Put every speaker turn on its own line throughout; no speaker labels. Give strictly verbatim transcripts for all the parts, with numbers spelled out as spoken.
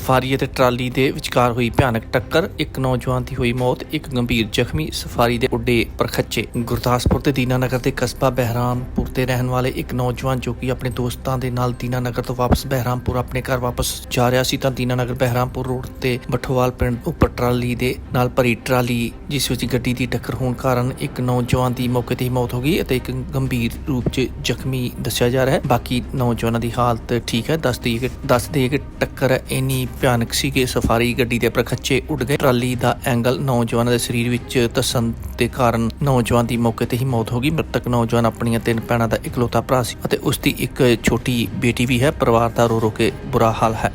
Safari ਅਤੇ trolley ਦੇ ਵਿਚਕਾਰ ਹੋਈ ਭਿਆਨਕ ਟੱਕਰ। ਇੱਕ ਨੌਜਵਾਨ ਦੀ ਹੋਈ ਮੌਤ, ਇੱਕ ਗੰਭੀਰ ਜ਼ਖਮੀ। ਸਫਾਰੀ ਦੇ ਉੱਡੇ ਪਰਖੱਚੇ। ਗੁਰਦਾਸਪੁਰ ਦੇ ਦੀਨਾਨਗਰ ਦੇ ਕਸਬਾ ਬਹਿਰਾਮਪੁਰ ਦੇ ਰਹਿਣ ਵਾਲੇ ਇੱਕ ਨੌਜਵਾਨ ਜੋ ਕਿ ਆਪਣੇ ਦੋਸਤਾਂ ਦੇ ਨਾਲ ਦੀਨਾਨਗਰ ਤੋਂ ਵਾਪਸ ਬਹਿਰਾਮਪੁਰ ਆਪਣੇ ਘਰ ਵਾਪਸ ਜਾ ਰਿਹਾ ਸੀ ਤਾਂ ਦੀਨਾਨਗਰ ਬਹਿਰਾਮਪੁਰ ਰੋਡ ਤੇ ਬਠੋਵਾਲ ਪਿੰਡ ਉੱਪਰ ਟਰਾਲੀ ਦੇ ਨਾਲ ਭਰੀ ਟਰਾਲੀ ਜਿਸ ਵਿੱਚ ਗੱਡੀ ਦੀ ਟੱਕਰ ਹੋਣ ਕਾਰਨ ਇੱਕ ਨੌਜਵਾਨ ਦੀ ਮੌਕੇ ਤੇ ਹੀ ਮੌਤ ਹੋ ਗਈ ਅਤੇ ਇੱਕ ਗੰਭੀਰ ਰੂਪ 'ਚ ਜ਼ਖਮੀ ਦੱਸਿਆ ਜਾ ਰਿਹਾ ਹੈ। ਬਾਕੀ ਨੌਜਵਾਨਾਂ ਦੀ ਹਾਲਤ ਠੀਕ ਹੈ। ਦੱਸ ਦਈਏ ਕਿ ਦੱਸ ਦਈਏ ਕਿ ਟੱਕਰ ਇੰਨੀ ਭਿਆਨਕ ਸੀ ਕਿ ਸਫਾਰੀ ਗੱਡੀ ਦੇ ਪਰਖੱਚੇ ਉੱਡ ਗਏ। ਟਰਾਲੀ ਦਾ ਐਂਗਲ ਨੌਜਵਾਨਾਂ ਦੇ ਸਰੀਰ ਵਿੱਚ ਧੱਸਣ ਦੇ ਕਾਰਨ ਨੌਜਵਾਨ ਦੀ ਮੌਕੇ ਤੇ ਹੀ ਮੌਤ ਹੋ ਗਈ। ਮ੍ਰਿਤਕ ਨੌਜਵਾਨ ਆਪਣੀਆਂ ਤਿੰਨ ਭੈਣਾਂ ਦਾ ਇਕਲੌਤਾ ਭਰਾ ਸੀ ਅਤੇ ਉਸ ਦੀ ਇੱਕ ਛੋਟੀ ਬੇਟੀ ਵੀ ਹੈ। ਪਰਿਵਾਰ ਦਾ ਰੋ ਰੋ ਕੇ ਬੁਰਾ ਹਾਲ ਹੈ।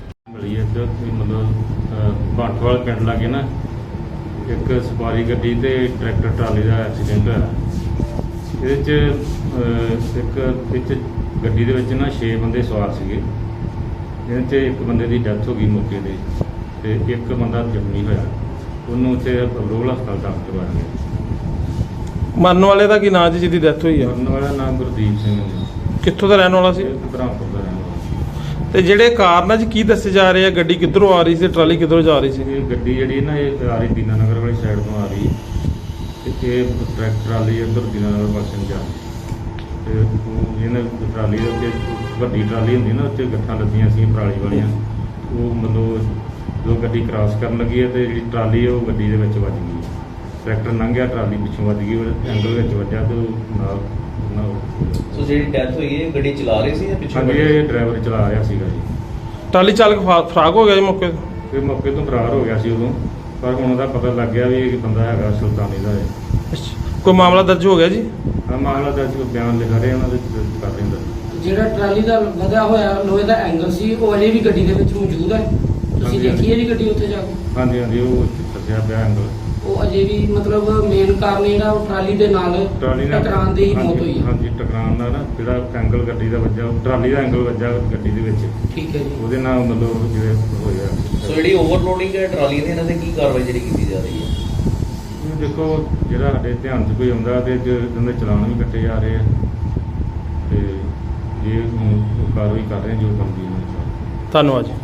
ਮਤਲਬ ਬਾਠਵਾਲ ਪਿੰਡ ਲਾਗੇ ਨਾ ਇੱਕ ਸਫਾਰੀ ਗੱਡੀ ਤੇ ਟਰੈਕਟਰ ਟਰਾਲੀ ਦਾ ਐਕਸੀਡੈਂਟ ਹੋਇਆ। ਇਹਦੇ 'ਚ ਇੱਕ ਵਿੱਚ ਗੱਡੀ ਦੇ ਵਿੱਚ ਨਾ ਛੇ ਬੰਦੇ ਸਵਾਰ ਸੀਗੇ। ਇਹਦੇ 'ਚ ਇੱਕ ਬੰਦੇ ਦੀ ਡੈਥ ਹੋ ਗਈ ਮੌਕੇ 'ਤੇ ਅਤੇ ਇੱਕ ਬੰਦਾ ਜ਼ਖਮੀ ਹੋਇਆ। ਉਹਨੂੰ ਉੱਥੇ ਰੋਲ ਹਸਪਤਾਲ ਦਾਖਲ ਕਰਵਾਇਆ ਗਿਆ।
ਮਰਨ ਵਾਲੇ ਦਾ ਕੀ ਨਾਂ ਜੀ ਜਿਹਦੀ ਡੈਥ ਹੋਈ ਹੈ?
ਮਰਨ ਵਾਲਾ ਨਾਮ ਗੁਰਦੀਪ ਸਿੰਘ ਜੀ।
ਕਿੱਥੋਂ ਦਾ ਰਹਿਣ ਵਾਲਾ ਸੀ?
ਬ੍ਰਹਮਪੁਰ ਦਾ ਰਹਿਣ ਵਾਲਾ।
ਤੇ ਜਿਹੜੇ ਕਾਰਨ ਅੱਜ ਕੀ ਦੱਸੇ ਜਾ ਰਹੇ ਆ, ਗੱਡੀ ਕਿੱਧਰੋਂ ਆ ਰਹੀ ਸੀ, ਟਰਾਲੀ ਕਿੱਧਰੋਂ ਜਾ ਰਹੀ ਸੀ?
ਇਹ ਗੱਡੀ ਜਿਹੜੀ ਨਾ ਇਹ ਆ ਰਹੀ ਦੀਨਾਨਗਰ ਵਾਲੀ ਸਾਈਡ ਤੋਂ ਆ ਰਹੀ ਅਤੇ ਇਹ ਟਰੈਕਟਰ ਟਰਾਲੀ ਇੱਧਰ ਦੀਨਾਨਗਰ ਪਾਸੇ ਨੂੰ ਜਾ ਰਹੀ ਅਤੇ ਇਹਨਾਂ ਟਰਾਲੀ ਦੇ ਉੱਤੇ ਵੱਡੀ ਟਰਾਲੀ ਹੁੰਦੀ ਨਾ ਉੱਤੇ ਗੱਠਾਂ ਲੱਦੀਆਂ ਸੀ ਪਰਾਲੀ ਵਾਲੀਆਂ। ਉਹ ਮਤਲਬ ਜੋ ਗੱਡੀ ਕ੍ਰਾਸ ਕਰਨ ਲੱਗੀ ਹੈ ਅਤੇ ਜਿਹੜੀ ਟਰਾਲੀ ਉਹ ਗੱਡੀ ਦੇ ਵਿੱਚ ਵੱਜ ਗਈ। ਟਰੈਕਟਰ ਲੰਘਿਆ, ਟਰਾਲੀ ਪਿੱਛੋਂ ਵੱਜ ਗਈ, ਉਹ ਐਂਗਲ ਵਿੱਚ ਵੱਜਿਆ ਅਤੇ ਉਹ ਨਾਲ
ਸੋ ਜਿਹੜੀ ਡੈਥ ਹੋਈ ਹੈ ਗੱਡੀ ਚਲਾ ਰਹੇ ਸੀ ਜਾਂ ਪਿੱਛੋਂ?
ਹਾਂਜੀ, ਇਹ ਡਰਾਈਵਰ ਚਲਾ ਰਿਹਾ ਸੀਗਾ ਜੀ।
ਟਰਾਲੀ ਚਾਲਕ ਫਾ- ਫਰਾਕ ਹੋ ਗਿਆ ਜੀ ਮੌਕੇ ਤੇ?
ਇਹ ਮੌਕੇ ਤੋਂ ਫਰਾਰ ਹੋ ਗਿਆ ਸੀ ਉਦੋਂ, ਪਰ ਹੁਣ ਉਹਦਾ ਪਤਾ ਲੱਗ ਗਿਆ ਵੀ ਇਹ ਬੰਦਾ ਹੈਗਾ ਸੁਲਤਾਨੀ ਦਾ ਹੈ।
ਕੋਈ ਮਾਮਲਾ ਦਰਜ ਹੋ ਗਿਆ ਜੀ?
ਹਾਂ, ਮਾਮਲਾ ਦਰਜ ਬਿਆਨ ਲਿਖਾ ਰਹੇ ਉਹਨਾਂ ਦੇ ਕਰ ਰਹੇ ਨੇ।
ਜਿਹੜਾ ਟਰਾਲੀ ਦਾ ਵਧਿਆ ਹੋਇਆ ਲੋਹੇ ਦਾ ਐਂਗਲ ਸੀ ਉਹ ਅਜੇ ਵੀ ਗੱਡੀ ਦੇ ਵਿੱਚ ਮੌਜੂਦ ਹੈ। ਤੁਸੀਂ ਦੇਖੀ ਹੈ ਜੀ ਗੱਡੀ ਉੱਥੇ ਜਾ ਕੇ?
ਹਾਂਜੀ ਹਾਂਜੀ, ਉਹ ਦੱਸਿਆ ਪਿਆ ਐਂਗਲ।
ਉਹ ਅਜੇ ਵੀ ਮਤਲਬ ਮੇਨ ਕਾਰਨ ਜਿਹੜਾ ਉਹ ਟਰਾਲੀ ਦੇ ਨਾਲ
ਟਰਾਲੀ ਨਾਲ
ਟਕਰਾਉਣ ਦੀ ਮੌਤ ਹੋਈ ਹੈ।
ਹਾਂਜੀ, ਟਕਰਾਉਣ ਦਾ ਨਾ ਜਿਹੜਾ ਐਂਗਲ ਗੱਡੀ ਦਾ ਵੱਜਾ, ਟਰਾਲੀ ਦਾ ਐਂਗਲ ਵੱਜਾ ਗੱਡੀ ਦੇ ਵਿੱਚ,
ਠੀਕ ਹੈ ਜੀ।
ਉਹਦੇ ਨਾਲ ਮਤਲਬ ਜਿਵੇਂ ਹੋਇਆ।
ਸੋ ਜਿਹੜੀ ਓਵਰਲੋਡਿੰਗ ਹੈ ਟਰਾਲੀ ਦੀ, ਇਹਨਾਂ ਤੇ ਕੀ ਕਾਰਵਾਈ ਜਿਹੜੀ ਕੀਤੀ ਜਾ ਰਹੀ ਹੈ?
ਇਹ ਦੇਖੋ, ਜਿਹੜਾ ਸਾਡੇ ਧਿਆਨ 'ਚ ਕੋਈ ਆਉਂਦਾ ਤੇ ਉਹਦੇ ਚਲਾਨ ਵੀ ਕੱਟੇ ਜਾ ਰਹੇ ਆ ਤੇ ਜੇ ਹੁਣ ਕਾਰਵਾਈ ਕਰ ਰਹੇ ਜੋ ਬਣਦੀ ਹੈ।
ਧੰਨਵਾਦ ਜੀ।